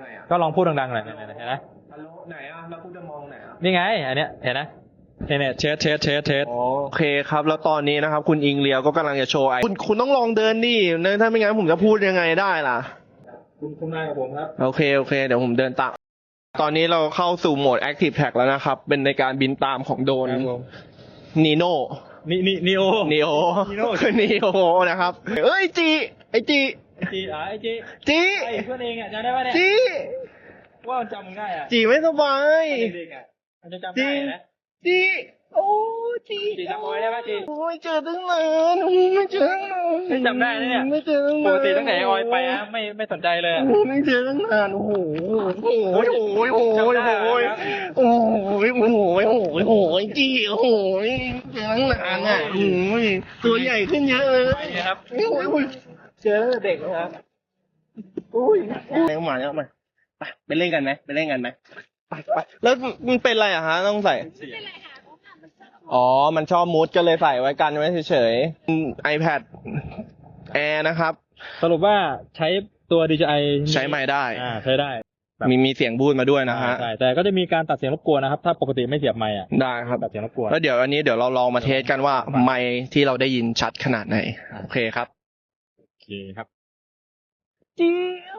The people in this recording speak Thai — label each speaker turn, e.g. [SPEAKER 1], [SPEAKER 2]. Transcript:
[SPEAKER 1] ไงอ่ะ
[SPEAKER 2] ก็ลองพูดดังๆหน่อยเห็นไหม
[SPEAKER 1] ฮัลโหลไหนอ่ะแล้วคุณจะมองไหนอ่ะ
[SPEAKER 2] นี่ไงอันเนี้ยเห็นไหมเนี่ยเทส
[SPEAKER 1] โอเคครับแล้วตอนนี้นะครับคุณอิงเลียวก็กำลังจะโชว์คุณต้องลองเดินดิถ้าไม่งั้นผมจะพูดยังไงได้ล่ะ
[SPEAKER 2] คุณนายกับผมครับ
[SPEAKER 1] โอเคเดี๋ยวผมเดินตามตอนนี้เราเข้าสู่โหมด Active Track แล้วนะครับเป็นในการบินตามของโดรนนีโน่
[SPEAKER 2] นีโอ
[SPEAKER 1] คือนีโอนะครับเอ้ยไอจี
[SPEAKER 2] จี
[SPEAKER 1] ไอ
[SPEAKER 2] เพื่อนเองอ่ะจำได้ป่ะเนี่ย
[SPEAKER 1] จี
[SPEAKER 2] ว่ามันจำมึงได้อ่ะ
[SPEAKER 1] จีไม่สบาย
[SPEAKER 2] เด็กๆอ่ะมันจะจำได้นะ
[SPEAKER 1] จีโอ้จี
[SPEAKER 2] จำไว้ได้ป่ะจี
[SPEAKER 1] โอ้ยเจอตั้งนานไม่เจอตั้งนาน
[SPEAKER 2] ไม่จำได้เนี่ย
[SPEAKER 1] ไม่เจอตั้งนาน
[SPEAKER 2] ปกติตั้งแต่ออยไปอ่ะไม่สนใจเลย
[SPEAKER 1] ไม่เจอตั้งนานโอ้โหจีโอ้โหเจอตั้งนานอ่ะตัวใหญ่ขึ้นเยอะเลย
[SPEAKER 2] ครับ
[SPEAKER 1] เจอเด็กนะครับไปเล่นกันไหมไปแล้วมันเป็นอะไรอะฮะต้องใส่อ๋อมันชอบมูดก็เลยใส่ไว้กันไว้เฉยๆ iPad Air นะครับ
[SPEAKER 2] สรุปว่าใช้ตัว DJI
[SPEAKER 1] ใช้ไมค์ได้
[SPEAKER 2] ใช้ได้
[SPEAKER 1] มีเสียงบูดมาด้วยนะฮะ
[SPEAKER 2] ใช่แต่ก็จะมีการตัดเสียงรบกวนนะครับถ้าปกติไม่เสียบไมค์
[SPEAKER 1] ได้ครับ
[SPEAKER 2] ตัดเสียงรบกวน
[SPEAKER 1] แล้วเดี๋ยวอันนี้เดี๋ยวเราลองมาเทสกันว่าไมค์ที่เราได้ยินชัดขนาดไหนโอเคครับ
[SPEAKER 2] โอเคครับ
[SPEAKER 1] จี